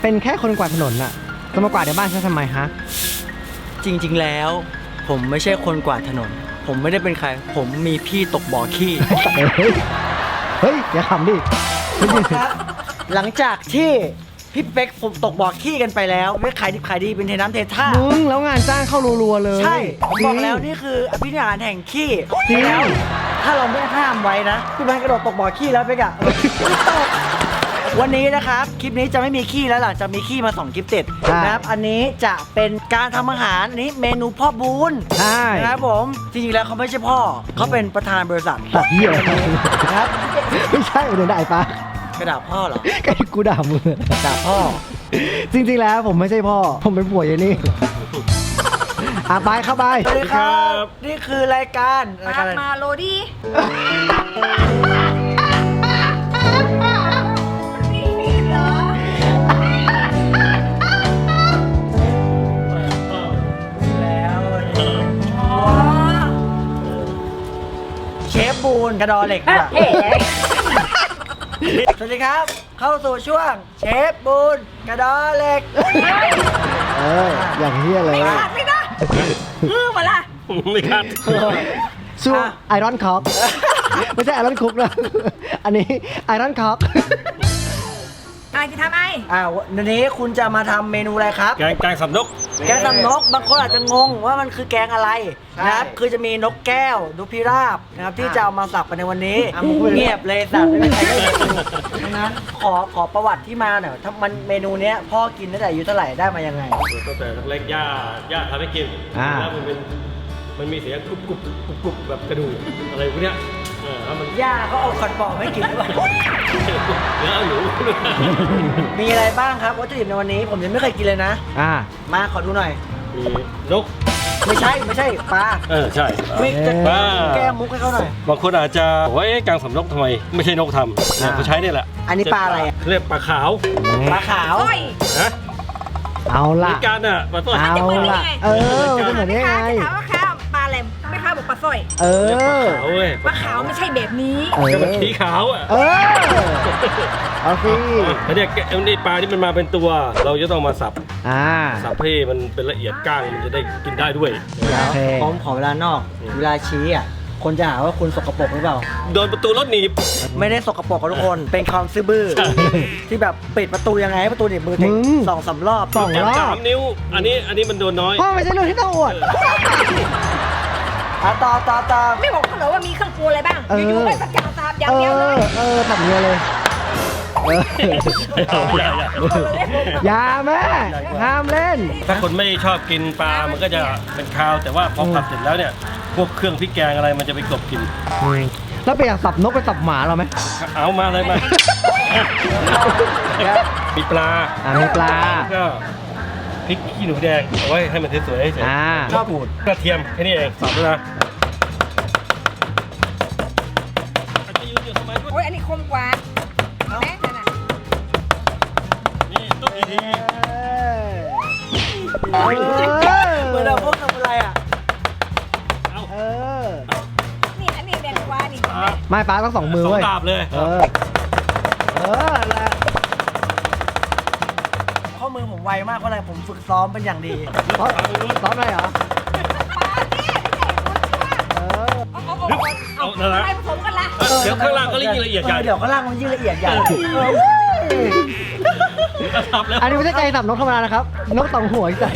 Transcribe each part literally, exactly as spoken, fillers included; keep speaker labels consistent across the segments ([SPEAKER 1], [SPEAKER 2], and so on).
[SPEAKER 1] เป็นแค่คนกวาดถนนน่ะจะมากวาดในบ้านฉันทำไมฮะ
[SPEAKER 2] จริงๆแล้ว ผมไม่ใช่คนกวาดถนน ผมไม่ได้เป็นใคร ผมมีพี่ตกบ่อขี้
[SPEAKER 1] เฮ้ยเฮ้ยอย่าขำดิ
[SPEAKER 2] หลังจากที่พี่เป๊กผมตกบ่อขี้กันไปแล้วไม่ขายดิบขายดีเป็นเทน้ำเทท่า
[SPEAKER 1] มึงแล้วงานจ้างเข้ารัวๆเลย
[SPEAKER 2] ใช่ผมบอกแล้ว
[SPEAKER 1] จริง
[SPEAKER 2] นี่คืออภินิหารแห่งขี้
[SPEAKER 1] จริง
[SPEAKER 2] แล้วถ้าเราไม่ห้ามไว้นะพี่มันกระโดดตกบ่อขี้แล้วเป๊กอะไม่ตกวันนี้นะครับคลิปนี้จะไม่มีขี้แล้วหลังจากมีขี้มาสองคลิปติดนะครับอันนี้จะเป็นการทำอาหารอันนี้เมนูพ่อบุญ
[SPEAKER 1] ใช่
[SPEAKER 2] นะครับผมจริงๆแล้วเขาไม่ใช่พ่อเขาเป็นประธานบริษัท
[SPEAKER 1] ตัดเหี้ย
[SPEAKER 2] นะครับ
[SPEAKER 1] ไม่ใช่เดี๋ยวด่าไอ้ปะ
[SPEAKER 2] กระดาษพ่อเหรอ
[SPEAKER 1] ไอ้กูด่ามึง
[SPEAKER 2] ด่าพ่อ
[SPEAKER 1] จริงๆแล้วผมไม่ใช่พ่อ ผมเป็นผัวอยนี่อ่ะไปเข้าไป
[SPEAKER 2] สวัสดีครับนี่คือรายการรายการอะไร
[SPEAKER 3] มาโรดี้นี่เหรอ
[SPEAKER 2] แล้ว
[SPEAKER 3] อ๋อ
[SPEAKER 2] เชฟบูนกระดอเหล็กอะ
[SPEAKER 3] เฮ้
[SPEAKER 2] สวัสดีครับ เข้าสู่ช่วงเชฟบูนกระดอเหล็ก
[SPEAKER 1] เอออย่างเฮี้ยเลย
[SPEAKER 3] ไม่ขาดไม่ได้ฮือมาละ
[SPEAKER 4] ไม่ครับ
[SPEAKER 1] สู้ไอรอนคอกไม่ใช่ไอรอนคุกนะ อันนี้ไอรอนคอก
[SPEAKER 3] อะไรจะทำไอ้
[SPEAKER 2] อ่าวันนี้คุณจะมาทำเมนูอะไรครับ
[SPEAKER 4] แกงแกงสับนก
[SPEAKER 2] แกงสับนกบางคนอาจจะงงว่ามันคือแกงอะไรนะครับคือจะมีนกแก้วนกพิราบนะครับที่จะเอามาสับกันในวันนี้เงียบเลยสับไม่มีใครได้ยินดังนั้นขอขอประวัติที่มาหน่อยถ้ามันเมนูเนี้ยพ่อกินตั้งแต่อายุเท่าไหร่ได้มายังไง
[SPEAKER 4] ตั้งแต่เล็กๆย่าย่าทำให้กิน
[SPEAKER 1] อ่า
[SPEAKER 4] แล้วมันเป็นมันมีเสียงกรุบกรุบกรุบกรุบแบบกระดูกอะไรพวกเนี้ยเออแล้วมัน
[SPEAKER 2] ย่าเขาเอาขอนปอกให้กินหรือเปล่า
[SPEAKER 4] เนื้อหนู
[SPEAKER 2] มีอะไรบ้างครับวัตถุดิบในวันนี้ผมยังไม่เคยกินเลยนะ
[SPEAKER 1] อ่า
[SPEAKER 2] มาขอดูหน่อย
[SPEAKER 4] มีนก
[SPEAKER 2] ไม่ใช่ไม่ใช่ปลา
[SPEAKER 4] เออใช่
[SPEAKER 2] ไม่จะ
[SPEAKER 4] ปลา
[SPEAKER 2] แก้มุกให้เขาหน่อย
[SPEAKER 4] บางคนอาจจะบอกว่าเอ๊ะแกงสับนกทำไมไม่ใช่นกทำเนี่ยเขาใช้เนี่ยแหละ
[SPEAKER 2] อันนี้ปลาอะไรอะ
[SPEAKER 4] เรียกปลาขาว
[SPEAKER 2] ปลาขาว
[SPEAKER 3] โอ้ย
[SPEAKER 4] นะ
[SPEAKER 1] เอา
[SPEAKER 4] มี
[SPEAKER 1] ล่ะ
[SPEAKER 4] การอ่ะปลาต้น
[SPEAKER 1] เอาล่ะ เออมันจะเหมือนได้ไง
[SPEAKER 3] จะถามว่าข้าวปลาอะไรไม่ข้าวบอกปลาสร้อย
[SPEAKER 1] เอ
[SPEAKER 4] เรียกปลา
[SPEAKER 1] อ
[SPEAKER 4] ขาวเว้ย
[SPEAKER 3] ปลาขาวไม่ใช่แบบนี้
[SPEAKER 1] เออ
[SPEAKER 4] ก็มันสีขาวอ่ะ
[SPEAKER 1] เออ เอาสิ
[SPEAKER 4] แล้วเนี่ยแกะนี่ปลาที่มันมาเป็นตัว เราจะต้องมาสับ
[SPEAKER 1] อ่า
[SPEAKER 4] สับให้มันเป็นละเอียดก้างมันจะได้กินได้ด้วย
[SPEAKER 2] เดี๋ยว
[SPEAKER 1] โอเค
[SPEAKER 2] ผมขอเวลานอก เวลาชี้อ่ะคนจะหาว่าคุณสกปรกหรือเปล่า
[SPEAKER 4] โดนประตูรถหนีบ
[SPEAKER 2] ไม่ได้สกปรกกับทุกคน เป็นความซื่อบื้อ
[SPEAKER 4] ใช่
[SPEAKER 2] ที่แบบปิดประตูยังไงให้ประตูหนีบมือถึง
[SPEAKER 1] มึง
[SPEAKER 2] สองสามรอบ
[SPEAKER 1] สอง
[SPEAKER 4] แกะ
[SPEAKER 1] รอ
[SPEAKER 4] สา
[SPEAKER 1] บ
[SPEAKER 4] มนิ้ว อันนี้อันนี้มันโดนน้อย
[SPEAKER 1] พ่อไม่ใช่เรื่องที่ต้องอวด
[SPEAKER 2] อ่ะต่อต่อต่อ
[SPEAKER 3] ไม่บอกเขาเหรอว่ามีเครื่องปรุงอะไรบ้าง
[SPEAKER 1] เออ
[SPEAKER 3] อยู่ๆไม่ประจานตามอย่าง
[SPEAKER 1] เอ
[SPEAKER 3] เดียวเล
[SPEAKER 1] อ
[SPEAKER 3] ย
[SPEAKER 1] เออแบบนี้เลย เออ อย่าแม่ ห้ามเล่น
[SPEAKER 4] ถ้าคนไม่ชอบกินปลา มันก็จะเป็นคาว แต่ว่าพอผัดเสร็จแล้วเนี่ย พวกเครื่องพริกแกงอะไรมันจะไปกลบกลิน
[SPEAKER 1] แล้วไปอยากสับนกไปสับหมาเราไหม
[SPEAKER 4] เอามาเลยมา มีปลา
[SPEAKER 1] อ่ามีปลา
[SPEAKER 4] แล้วก็พริกขี้หนูแดงเอาไว้ให้มันสวยๆเฉย
[SPEAKER 1] อ่า
[SPEAKER 4] ๆข้าวปูดกระเทียมแค่นี้เองสับแล้วนะอาจจะยืนอยู่ทำไมด้วย
[SPEAKER 3] โอ้ยอันนี้คมกว่าแม่นั่นน่ะ
[SPEAKER 4] นี่ตุ๊กอีที
[SPEAKER 1] เออ
[SPEAKER 2] เหมือนเราพวกทำอะไรอ่ะ
[SPEAKER 4] เอา
[SPEAKER 1] เออ
[SPEAKER 3] นี่อันนี้แดงกว่านี่
[SPEAKER 4] อ่ะ
[SPEAKER 1] ไม่ป้าต้องสองมือ
[SPEAKER 4] สอง
[SPEAKER 1] เว้ย
[SPEAKER 4] ดาบเลย
[SPEAKER 1] เออ เออแหละ
[SPEAKER 2] ข้อมือผมไวมากเพราะอะไรผมฝึกซ้อมเป็นอย่างดี
[SPEAKER 1] ซ้อมซ้อมอะไรเหรอ
[SPEAKER 3] ปลาเนี่ยไม่ใช่คนชั่ว
[SPEAKER 1] เออ
[SPEAKER 3] เอาเอาเอาเอาอะไรผสมกันละ
[SPEAKER 4] เออเดี๋ยวข้างล่างก็ยิ่งละเอียดใหญ่
[SPEAKER 2] เดี๋ยวข้างล่างมันยิ่งละเอียดใหญ่เออ
[SPEAKER 4] สับแล้ว
[SPEAKER 1] อันนี้ไม่ใช่ไก่สับนกธรรมดานะครับ นกสองหัวอีกแต่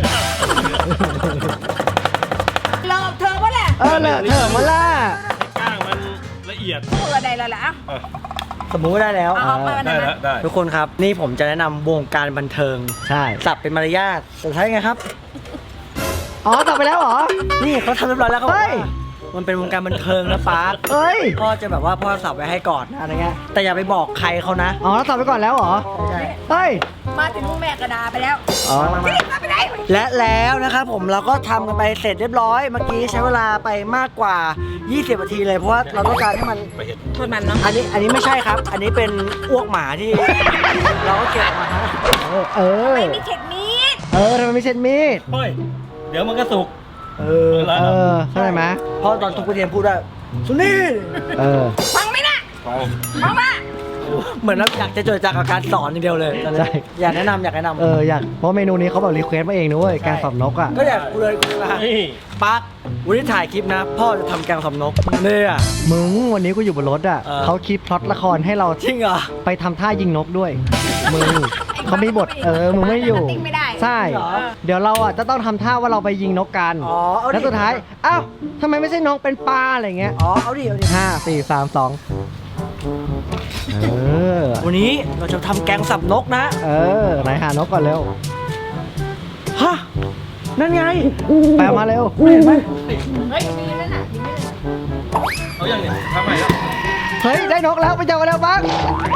[SPEAKER 3] ลองเธอว่าแหละ
[SPEAKER 1] เออเลยเถอะมาล่ะ
[SPEAKER 4] ก้างมันละเอียด
[SPEAKER 3] พูดอะไรแล้วล่ะอ่ะ
[SPEAKER 4] อ่ะ
[SPEAKER 2] สมมุติว่าได้แล้ว
[SPEAKER 3] เอาเอามา
[SPEAKER 4] ได้
[SPEAKER 3] ได้ไหม
[SPEAKER 4] แล้วได้
[SPEAKER 2] ทุกคนครับนี่ผมจะแนะนำวงการบันเทิง
[SPEAKER 1] ใช่
[SPEAKER 2] สับเป็นมารยาทสุดท้ายไงครับ
[SPEAKER 1] อ๋อสับไปแล้วเหรอ
[SPEAKER 2] นี่เขาทำเรียบร้อยแล้วเขาบอก
[SPEAKER 1] เฮ้ย
[SPEAKER 2] ว่ามันเป็นวงการบันเทิงนะป๊า
[SPEAKER 1] เอ้ย
[SPEAKER 2] พ่อจะแบบว่าพ่อสับไว้ให้ก่อนนะอะไรเงี้ยแต่อย่าไปบอกใครเขานะ
[SPEAKER 1] อ๋อแล้วสับไปก่อนแล้วเหรอ
[SPEAKER 2] ใช่
[SPEAKER 1] เฮ้ย
[SPEAKER 3] มาถึงลูกแม่กระดาไปแล้ว
[SPEAKER 1] อ๋อ
[SPEAKER 3] นี่มาไปไหน
[SPEAKER 2] และแล้วนะครับผมเราก็ทำกันไปเสร็จเรียบร้อยเมื่อกี้ใช้เวลาไปมากกว่า ยี่สิบ นาทีเลยเพราะว่าเราต้องการให้มัน
[SPEAKER 4] ไปเห็น
[SPEAKER 3] โทษมันเนาะ
[SPEAKER 2] อันนี้อันนี้ไม่ใช่ครับ อันนี้เป็นอ้วกหมาที่ เราก็เก็บมาฮะ
[SPEAKER 1] เออ เออ
[SPEAKER 3] ไม่มีเข็ดมีด
[SPEAKER 1] เออทำไมไม่เช็ดมีด
[SPEAKER 4] เฮ้ย เดี๋ยวมันก็สุก
[SPEAKER 2] เออ
[SPEAKER 1] เออเข้าใจไหม
[SPEAKER 2] เพราะตอนทุกประเทศพูดว่าสุนี่
[SPEAKER 1] เออ
[SPEAKER 3] ฟังไหมนะ
[SPEAKER 4] ฟัง
[SPEAKER 3] ฟังมา
[SPEAKER 4] เอ
[SPEAKER 2] เหมือนเราอยากจะจดจากกับการสอนอย่างเดียวเลยตอนนี้
[SPEAKER 1] ใช่
[SPEAKER 2] อยากแนะนำอยากแนะนำ
[SPEAKER 1] เอออยากเพราะเมนูนี้เขาแบบรีเควสต์มาเองนะเว้ยแกงสับนกอ่ะ
[SPEAKER 2] ก็อยากกูเลยกูเลย
[SPEAKER 4] นี่
[SPEAKER 2] ปักวันนี้ถ่ายคลิปนะ พ่อจะทำแกงสับนกเนี่ย
[SPEAKER 1] มึงวันนี้กูอยู่บนรถอ่ะ
[SPEAKER 2] เออ
[SPEAKER 1] เขาคิดพล็อตละครให้เรา
[SPEAKER 2] จริงเหรอ
[SPEAKER 1] ไปทำท่ายิงนกด้วย มึงเขามีบทเออมึงไม่อยู่
[SPEAKER 3] ติ้งไม่ได้
[SPEAKER 1] ใช่ เดี๋ยวเราอ่ะจะต้องทำท่าว่าเราไปยิงนกกัน
[SPEAKER 2] อ๋อเอาดิ
[SPEAKER 1] แล้วสุดท้ายอ้าวทำไมไม่ใช่นกเป็นปลาอะไรเงี้ย
[SPEAKER 2] อ๋อเอาดิเอาดิ
[SPEAKER 1] ห้าสี่สามสองเออ
[SPEAKER 2] วันนี้เราจะทำแกงสับนกนะ
[SPEAKER 1] เออไหนหานกก่อนเร็ว
[SPEAKER 2] ฮะนั่นไง
[SPEAKER 1] แปลมาเร็ว
[SPEAKER 2] เห็นไหม
[SPEAKER 3] เฮ้ยมีนั่นน่ะมีนั่นน่ะ
[SPEAKER 4] เอาอย่างเนี้ยทำใหม่แล้ว
[SPEAKER 1] เฮ้ยได้นกแล้วไปเจอกันแล้วบ้าง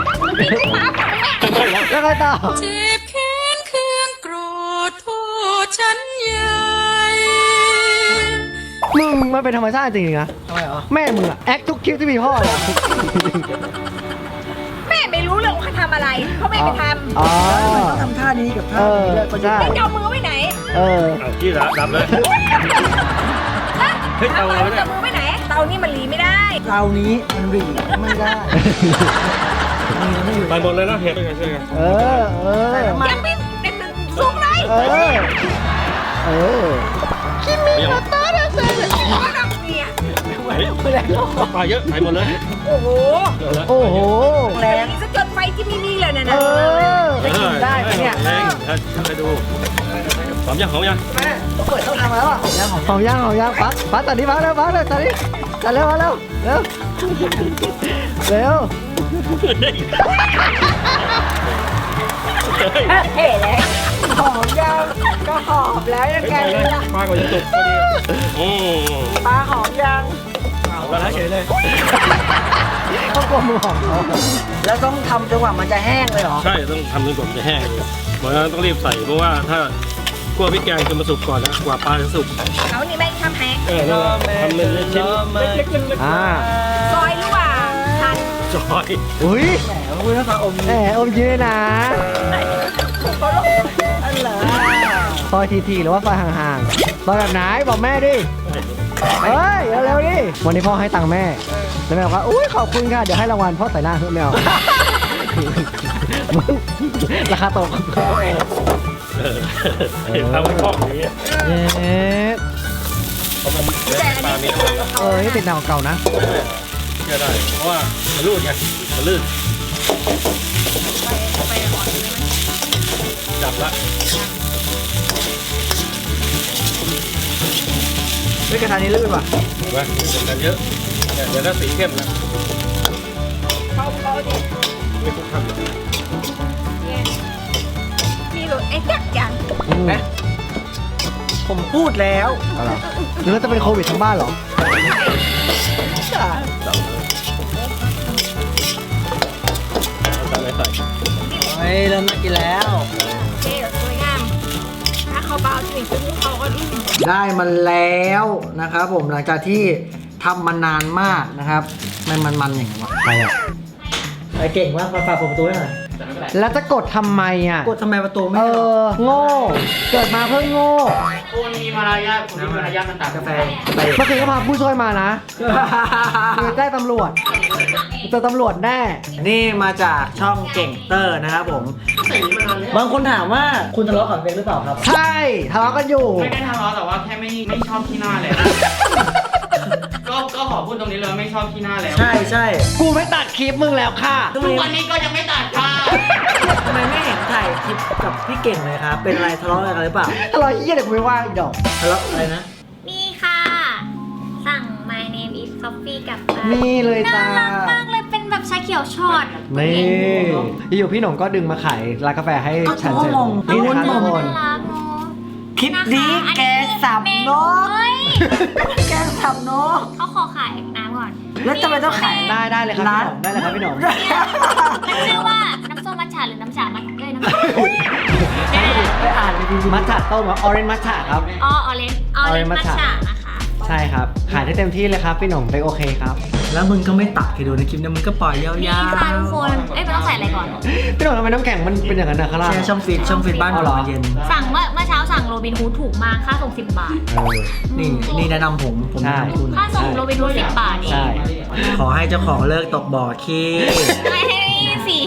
[SPEAKER 1] แล้วไงต่อ
[SPEAKER 5] เจ็บแค้นเคืองโกรธโทษฉันใหญ่
[SPEAKER 1] มึงมันเป็นธรรมชาติจริงๆนะ
[SPEAKER 2] ทำไมเหรอ
[SPEAKER 1] แม่มึงอะแอคทุกคลิปที่มีพ่อเลย
[SPEAKER 3] แม่ไม่รู้เรื่องว่าเขาทำอะไรเขาไม่ไปทำ
[SPEAKER 1] อ๋อ
[SPEAKER 2] ต้องทำท่านี้กับท่านี้เลย
[SPEAKER 1] เออใช่
[SPEAKER 3] แล้วจะเอามือไว้ไหน
[SPEAKER 1] เออ
[SPEAKER 4] เอาที่ดับดับเลย เฮ้ยเตาเราเนี่ย
[SPEAKER 3] จะมือไว้ไหนเตานี่มันหลีไม่ได้
[SPEAKER 2] เตานี้มันรีไม่ได้นี่ไม่อยู่
[SPEAKER 4] ไปหมดเลยนะเห็ดด้วยกันช่วยกัน
[SPEAKER 1] เออ เออ
[SPEAKER 3] ยังไม่เป็นสูงเลย
[SPEAKER 1] เออ เออ
[SPEAKER 4] ไม่เอา
[SPEAKER 3] เขาทำเนี่ย
[SPEAKER 4] เฮ้ยปลาเยอะไปหมดเลย
[SPEAKER 3] โอ้โห
[SPEAKER 4] เดี๋ยวละ
[SPEAKER 1] โอ้โห
[SPEAKER 2] แรง
[SPEAKER 3] นี่ซะจนไฟที่ไม่มีเลยนะ
[SPEAKER 1] เอ
[SPEAKER 3] นะ
[SPEAKER 1] อ
[SPEAKER 2] จะกินได้ไหมเนี่ย
[SPEAKER 4] แรงให้ดูหอมยังหอมยัง
[SPEAKER 2] แม่ต้องเปิดช่องทางมาแล้วอ่ะแล้วของ
[SPEAKER 1] หอมย่างหอมย่างปักปักตัดนี้ปักเร็วปักเร็วตัดนี้ตัดเร็วมาเร็วเร็วเร็ว
[SPEAKER 3] เท่เลย
[SPEAKER 2] หอมยังก็หอมแล้วยังไง
[SPEAKER 4] ไปเลยปลาก่อนจะสุกพอดีอืม
[SPEAKER 2] ปลาหอมยัง
[SPEAKER 4] เอาแล้วเฉยเลย
[SPEAKER 1] เขากลัวมือหอมเขา
[SPEAKER 2] แล้วต้องทำจนกว่ามันจะแห้งเลยเหรอ
[SPEAKER 4] ใช่ต้องทำจนกว่ามันจะแห้งเพราะฉะนั้นต้องรีบใส่เพราะว่าถ้าคั่วพริกแกงจะมาสุกก่อนนะกว่าปลาจะสุก
[SPEAKER 3] เขานี่แม่งทำแฮะ
[SPEAKER 4] เออนั่นแหละทำเป็นชิ้นเล็กๆเล็ก
[SPEAKER 1] อ่า
[SPEAKER 3] ซอยหรือว่าทัน
[SPEAKER 4] ๆจอย
[SPEAKER 1] อุ้ย
[SPEAKER 2] แหมคุณต้องอม
[SPEAKER 1] แหมอมยืนนะ
[SPEAKER 2] อันเหรอ
[SPEAKER 1] ซอยทีๆหรือว่าซอยห่างๆซอยแบบไหนบอกแม่ดิเฮ้ยเร็วๆดิวันนี้พ่อให้ตังค์แม่แล้วแม่บอกว่าอุ้ยขอบคุณค่ะเดี๋ยวให้รางวัลพ่อใส่หน้าเพื่อแมวมึงราคาตก
[SPEAKER 4] เออเห็นทำให้คล่องอย่างนี้
[SPEAKER 1] เอ๊ะ
[SPEAKER 4] เพราะมันปลามีน้ำมัน
[SPEAKER 1] เออนี่ติดหนังเก่านะ
[SPEAKER 4] เชื่อได้เพราะว่ามันลื่นไงมันลื่นจับละ
[SPEAKER 2] ไม่กระทะนี้ลื่นว่ะ
[SPEAKER 4] เห็นไหมเป็นกันเยอะเนี่ยเดี๋ยวถ้าสีเข้มนะ
[SPEAKER 3] เบาเบาดิ
[SPEAKER 4] ไม่ทุกขั้นเลย
[SPEAKER 3] เนี่ยมีรถไอ้จักรยาน
[SPEAKER 2] เอ๊ะผมพูดแล้ว
[SPEAKER 1] อะไรหรือว่าจะเป็นโควิดทั้งบ้านเหรอ
[SPEAKER 4] เอาตามไหนใส่
[SPEAKER 2] เฮ้ยเริ่มน่ากินแล้ว
[SPEAKER 3] เท่สวยงามถ้าเขาเบาจริงซึ่งเขาก็อืม
[SPEAKER 2] ได้มาแล้วนะครับผมหลังจากที่ทำมานานมากนะครับมันมันมันอย่างไรวะ
[SPEAKER 1] ใครอ่ะ
[SPEAKER 2] ไอเก่งมากมาฝากผมประตูให้หน่อย
[SPEAKER 1] แล้วจะกดทำไมอ่ะ
[SPEAKER 2] กดทำไมประตูไม่
[SPEAKER 1] เอ
[SPEAKER 2] ให้เรา
[SPEAKER 1] อ โง่ เกิดมาเพิ่งโง่
[SPEAKER 2] คุณมีมารยาทคุณมีมารยาทมันตัดกาแฟไป
[SPEAKER 1] เมื่อคืนก็พาผู้ช่วยมานะคือได้ตำรวจเจอตำรวจแน่
[SPEAKER 2] นี่มาจากช่องเก่งเตอร์นะครับผม บางคนถามว่าคุณทะเลาะกับเบนหรือเปล่าครับ
[SPEAKER 1] ใช่ทะเลาะกันอยู่
[SPEAKER 6] ไม่ได้ทะเลาะแต่ว่าแค่ไม่ไม่ชอบที่หน้าแล้ว ก็ก็ขอพูดตรงนี้เลยว่าไม่ชอบที่หน้าแล้ว
[SPEAKER 2] ใช่ใช่
[SPEAKER 1] กูไม่ตัดคลิปมึงแล้วค่ะ
[SPEAKER 2] ทุก
[SPEAKER 6] ทุก
[SPEAKER 2] วั
[SPEAKER 6] วัน นนี้ก็ยังไม่ตัดค่ะ
[SPEAKER 2] ทำไมไม่เห็นถ่ายคลิปกับพี่เก่งเลยครับ เป็นอะไรทะเลาะกันหรือเปล่า
[SPEAKER 1] ทะเลาะเยี่ยเดี๋ยวกูไม่ว่างอีกดอก
[SPEAKER 2] ทะเลาะอะไรนะ
[SPEAKER 7] นี่ค่ะ สั่ง my name is coffee กลับบ้าน
[SPEAKER 1] นี่เลยจ้า
[SPEAKER 7] น่ารักมากเลยเป็นแบบชาเขียวช็อต
[SPEAKER 1] นี่อยู่พี่หนุ่มก็ดึงมาขายร้านกาแฟให้ฉันเสร็จ
[SPEAKER 2] ก็งง
[SPEAKER 1] นี่นะคะทุกคน
[SPEAKER 7] น่ารักเนอะ
[SPEAKER 2] คลิปนี้
[SPEAKER 7] นะคะ
[SPEAKER 2] แกสับนก
[SPEAKER 7] เฮ้ย
[SPEAKER 2] แกสับนก
[SPEAKER 7] เขาขอขายน้ำก่อน
[SPEAKER 2] แล้วทำไมต้องขาย
[SPEAKER 1] ได้ได้เลยครับพี่หนุ่มได้เลยครับพี่หนุ่ม
[SPEAKER 7] มันชื่อว่าน้ำส้มมัทฉะหรือน้ำฉะมัทเอ้ยน้ำ
[SPEAKER 2] ไปอ่านเลยจริงๆ
[SPEAKER 1] มัทฉะต้มออเรนมัทฉะครับ
[SPEAKER 7] อ๋อออเรนออเรน
[SPEAKER 1] Orange
[SPEAKER 7] มัท
[SPEAKER 1] matcha
[SPEAKER 7] ฉะนะคะ
[SPEAKER 1] ใช่ครับ ขายได้เต็มที่เลยครับพี่หนุ่มไปโอเคครับ
[SPEAKER 2] แล้วมึงก็ไม่ตัดให้ดูในคลิปนี้มึงก็ปล่อยยาวๆ
[SPEAKER 7] นี่ค่ะทุกคน เอ้ยมันต้องใส่อะไรก่อน
[SPEAKER 1] พี่หนุ่มทำไมน้ำแข็งมันเป็นอย่างนั้นนะข้างล่าง
[SPEAKER 2] แชร์ช่องฟีดช่องฟีดบ้าน
[SPEAKER 1] เอา
[SPEAKER 2] ก่
[SPEAKER 1] เหรอ
[SPEAKER 2] อนเย็น
[SPEAKER 7] สั่งเมื่อเมื่อเช้าสั่งโรบินฮูดถูกมากค่าส่งสิบบาท
[SPEAKER 1] เออ
[SPEAKER 2] นี่นี่แนะนำผมผม
[SPEAKER 1] ใช่
[SPEAKER 2] แนะนำคุณ
[SPEAKER 7] ค่าส่งโรบินฮูดสิบบาทเอง
[SPEAKER 1] ใช่
[SPEAKER 2] ขอให้เจ้าของเลิกตกบ่อขี้
[SPEAKER 7] ไม่ให้สี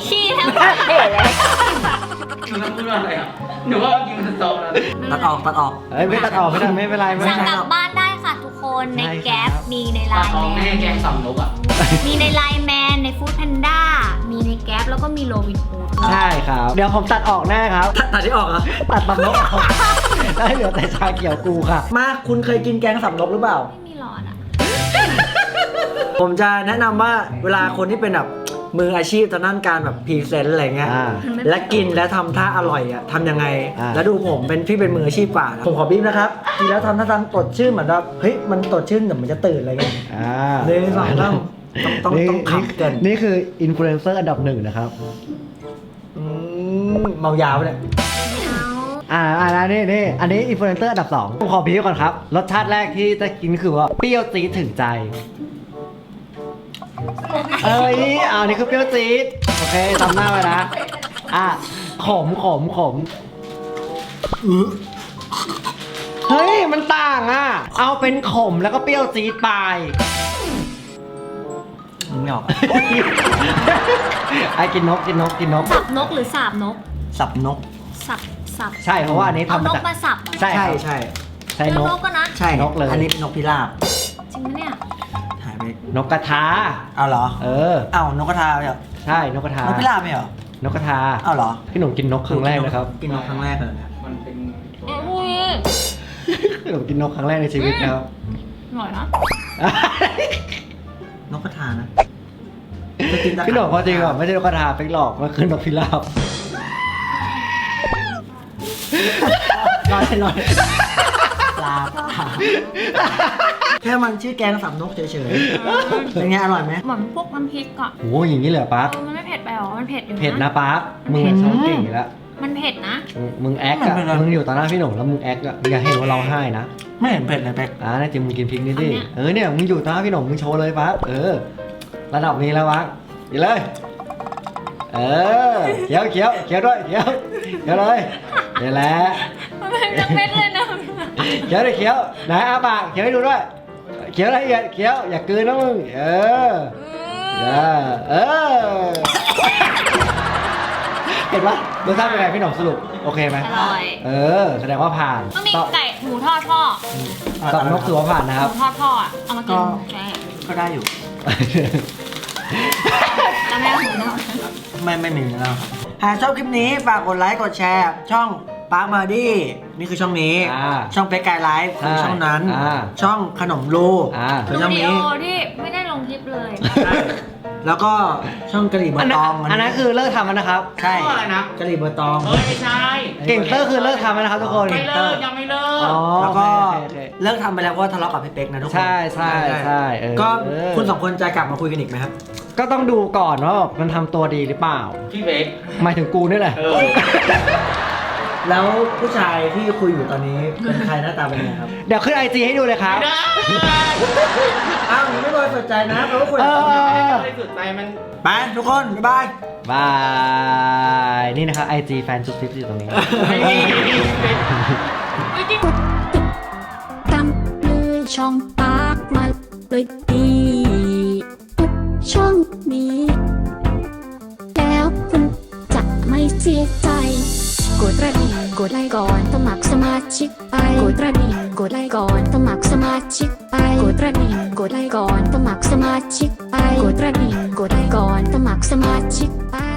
[SPEAKER 3] เท่เลย
[SPEAKER 6] หนูต้องพูดว่าอะไรอ่ะหนูว่าเมื่อกี้มันจะโตแล้ว
[SPEAKER 2] ตัดออกตัดออก
[SPEAKER 1] เอ้ยไม่ตัดออกไม่ได้ไม่เป็นไรไม่
[SPEAKER 7] สั่
[SPEAKER 1] เป็นไร
[SPEAKER 7] งกลับบ้านได้ค่ะทุกคนใน
[SPEAKER 1] ใช่ครับ
[SPEAKER 7] แก๊ปมีในไล
[SPEAKER 6] ตา
[SPEAKER 7] น์
[SPEAKER 6] ทอง
[SPEAKER 7] แม
[SPEAKER 6] แม่
[SPEAKER 7] น
[SPEAKER 6] แกงสำนกอ่ะ
[SPEAKER 7] มีในไลน์แมนในฟู้ดแพนด้ามีในแก๊ปแล้วก็มีโรบินฮูด
[SPEAKER 1] ใช่ครับ เดี๋ยวผมตัดออกแน่ครับ
[SPEAKER 2] ตัดตัดที่ออกเหรอ
[SPEAKER 1] ตัดตำนกออกได้เหลือแต่ชาเขียวกูค่ะ
[SPEAKER 2] มาคุณเคยกินแกงสำนกหรือเปล่า
[SPEAKER 7] ไม่มีหลอดอ่ะ
[SPEAKER 2] ผมจะแนะนำว่าเวลาคนที่เป็นแบบมืออาชีพทางด้านการแบบพรีเซนต์อะไรเงี้ย
[SPEAKER 1] อ่า
[SPEAKER 2] และกินแล้วทำท่าอร่อยอ่ะทำยังไง
[SPEAKER 1] อ่า
[SPEAKER 2] แล้วดูผมเป็นพี่เป็นมืออาชีพกว่านะผมขอบีบนะครับกินแล้วทำท่าทางตดชื่นเหมือนแบบเฮ้ยมันตดชื่นแต่มันจะตื่นอะไรเงี้ย
[SPEAKER 1] อ่า
[SPEAKER 2] หนึ่งสองสามต้องต้อง
[SPEAKER 1] นี่
[SPEAKER 2] ต้องขับเกิน
[SPEAKER 1] นี่คืออินฟลูเอนเซอร์อันดับหนึ่งนะครับ
[SPEAKER 2] อืมเมายาวไปเลย
[SPEAKER 1] อ่าอ่านะนี่นี่อันนี้อินฟลูเอนเซอร์อันดับสองผมขอพีก่อนครับ รสชาติแรกที่จะกินคือว่าเปรี้ยวจี๊ดถึงใจ เอ้ยอ่านี่คือเปรี้ยวจี๊ดโอเคทำหน้าไว้นะ อ่ะขมขมขมอื้อเฮ้ย มันต่างอ่ะ เอาเป็นขมแล้วก็เปรี้ยวจี๊ดไป
[SPEAKER 2] ไม่ออก
[SPEAKER 1] ไอ้กินนกกินนกกินนก
[SPEAKER 7] สับนกหรือสาบนก
[SPEAKER 2] สับนก
[SPEAKER 7] สับสับ
[SPEAKER 1] ใช่เพราะว่าอันนี้
[SPEAKER 7] เอา
[SPEAKER 1] ทำ
[SPEAKER 7] น
[SPEAKER 1] มาก จาก
[SPEAKER 7] มาสับเหรอ
[SPEAKER 1] ใช่ค
[SPEAKER 2] ใช่
[SPEAKER 1] รับ
[SPEAKER 2] ใช่
[SPEAKER 1] ใช่
[SPEAKER 7] เจ
[SPEAKER 1] น
[SPEAKER 7] อก นกก็นะ
[SPEAKER 2] ใช่
[SPEAKER 1] นกเลย
[SPEAKER 2] อันนี้เป็นนกพิราบ
[SPEAKER 7] จริงไหมเนี่ย
[SPEAKER 2] หายไป
[SPEAKER 1] นกกระทา
[SPEAKER 2] เอาเหรอ
[SPEAKER 1] เออ
[SPEAKER 2] เอ้านกกระทาเหรอ
[SPEAKER 1] ใช่นกกระทาน
[SPEAKER 2] กพิราบไม่เหรอน
[SPEAKER 1] กกระทา
[SPEAKER 2] เอาเหรอ
[SPEAKER 1] พี่หนุ่มกินนกครั้งแรกนะครับ
[SPEAKER 2] กินนกครั้งแรกเลยนะ
[SPEAKER 6] มันเป็น
[SPEAKER 7] อุ้ย
[SPEAKER 1] พี่หนุ่มกินนกครั้งแรกในชีวิตนะครับ
[SPEAKER 7] อร่อยนะ
[SPEAKER 2] นกกระทานะจะกินตะขาบ
[SPEAKER 1] พี่หนุ่มพอจริงอ่ะไม่ใช่นกกระทาเป็นหลอกมันคือนกพิราบ
[SPEAKER 2] ร้อยร้อยปลาแค่มันชื่อแกงสับนกเฉยๆเป็นไงอร่อยไหม
[SPEAKER 7] เหมือนพวกน้ำพริกอ่ะ
[SPEAKER 1] โอ้ยอย่างนี้เลยเหรอปั๊ก
[SPEAKER 7] เออมันไม่เผ็ดไปหรอมันเผ็ดอยู่นะ
[SPEAKER 1] เผ็ดนะปั๊กมึงอะชอบเก่งอยู่แล้ว
[SPEAKER 7] มันเผ็ดนะ
[SPEAKER 1] มึงมึงแอคอะมึงอยู่ต่อหน้าพี่หนุ่มแล้วมึงแอคอะอย่าให้เห็นว่าเราให้นะ
[SPEAKER 2] ไม่เห็นเผ็ดเลยเป๊ก
[SPEAKER 1] อ่าน่าจะมึงกินพริกนิดดิเออเนี่ยมึงอยู่ต่อหน้าพี่หนุ่มมึงโชว์เลยปั๊กเออระดับนี้แล้วปั๊กอีเลยเออเขียวเขียวเขียวด้วยเขียวเขียวเลยนี่แหละ
[SPEAKER 7] มันเป็นจะเม็ดเลยนะ
[SPEAKER 1] เขียวเลยเขียวไหนอาปากเขียวให้ดูด้วยเขียวละเอียดเขียวอย่ากลืนนะมึงเออเออเออเห็นปะรสชาติเป็นไงพี่หนุ่มสรุปโอเคไหม
[SPEAKER 7] อร่อย
[SPEAKER 1] เออแสดงว่าผ่าน
[SPEAKER 7] ต้องมี
[SPEAKER 1] ต่อ
[SPEAKER 7] ไก่หมูทอดพ่อ
[SPEAKER 1] ต่อนกถือว่าผ่านนะ
[SPEAKER 7] ห
[SPEAKER 1] ครับ
[SPEAKER 7] มูทอดพ่ออ่ะเอามากินใช่
[SPEAKER 2] ก็ได้อยู่
[SPEAKER 7] แล้วแม่หมูทอด
[SPEAKER 2] ไม่ไม่มีแล้วครับหากชอบคลิปนี้ฝากกดไลค์กดแชร์ ช่องปาร์คมาดี้นี่คือช่องนี้
[SPEAKER 1] อ่า
[SPEAKER 2] ช่องเป็กไกด์ไลฟ์คือช่องนั้น
[SPEAKER 1] อ่า
[SPEAKER 2] ช่องขนมรู
[SPEAKER 1] อ่า
[SPEAKER 2] คือ
[SPEAKER 7] ดู
[SPEAKER 2] ช่อง
[SPEAKER 7] วิดี
[SPEAKER 2] นี้
[SPEAKER 7] โอที่ไม่ได้ลงคลิปเลย
[SPEAKER 2] แล้วก็ช่องกะหรี่เบอ
[SPEAKER 1] อัน
[SPEAKER 2] ร์
[SPEAKER 1] นั้
[SPEAKER 2] ต
[SPEAKER 1] น
[SPEAKER 2] อง
[SPEAKER 1] อันนั้นคือเลิกทำแล้วนะครับ
[SPEAKER 2] ใช่
[SPEAKER 6] ข้ออะไรนะ
[SPEAKER 2] กะหรี่เบอร์ตอง
[SPEAKER 6] เอ้ยไม่ใช่
[SPEAKER 1] เก่งเตอร์คือเลิกทำแล้วนะครับทุกคน
[SPEAKER 6] ไม่เลิกยังไม่เลิก
[SPEAKER 1] อ๋อ
[SPEAKER 2] แล้วก็
[SPEAKER 1] โอเคโอเค
[SPEAKER 2] เลิกทำไปแล้วเพราะว่าทะเลาะกับพี่เป๊กนะทุกคน
[SPEAKER 1] ใช่ใช่ใช่เออ
[SPEAKER 2] ก็
[SPEAKER 1] เออ
[SPEAKER 2] คุณสองคนจะกลับมาคุยกันอีกไหมครับ
[SPEAKER 1] ก็ต้องดูก่อนว่าแบบมันทำตัวดีหรือเปล่า
[SPEAKER 6] พี่เบค
[SPEAKER 1] หมายถึงกูนี่แหละ
[SPEAKER 6] เออ
[SPEAKER 2] แล้วผู้ชายที่คุยอยู่ตอนนี้เป็นใครหน้าตาเป็นยังไงครับ
[SPEAKER 1] เดี๋ยวขึ้นไอจีให้ดูเลยครับ
[SPEAKER 6] ได้
[SPEAKER 2] อ้าวยังไม่บริสุทธิ์ใจนะเพราะว่าคุยกับ
[SPEAKER 1] เออ
[SPEAKER 2] เขา
[SPEAKER 6] ไม่สุดใจมัน
[SPEAKER 2] ไปทุกคนบ๊ายบาย
[SPEAKER 1] บาย นี่นะครับไอจีแฟนจุดซิปอยู่ตรงนี้
[SPEAKER 6] ไม่มีเป็น
[SPEAKER 8] ตามเลยช่องปากมาเลยดีทุกช่องนี้ แล้วคุณจะไม่เสียใจ กดกระดิ่งกดไลค์ก่อนสมัครสมาชิกไปกดกระดิ่งกดไลค์ก่อนสมัครสมาชิกไปกดกระดิ่งกดไลค์ก่อนสมัครสมาชิกไปกดกระดิ่งกดไลค์ก่อนสมัครสมาชิกไป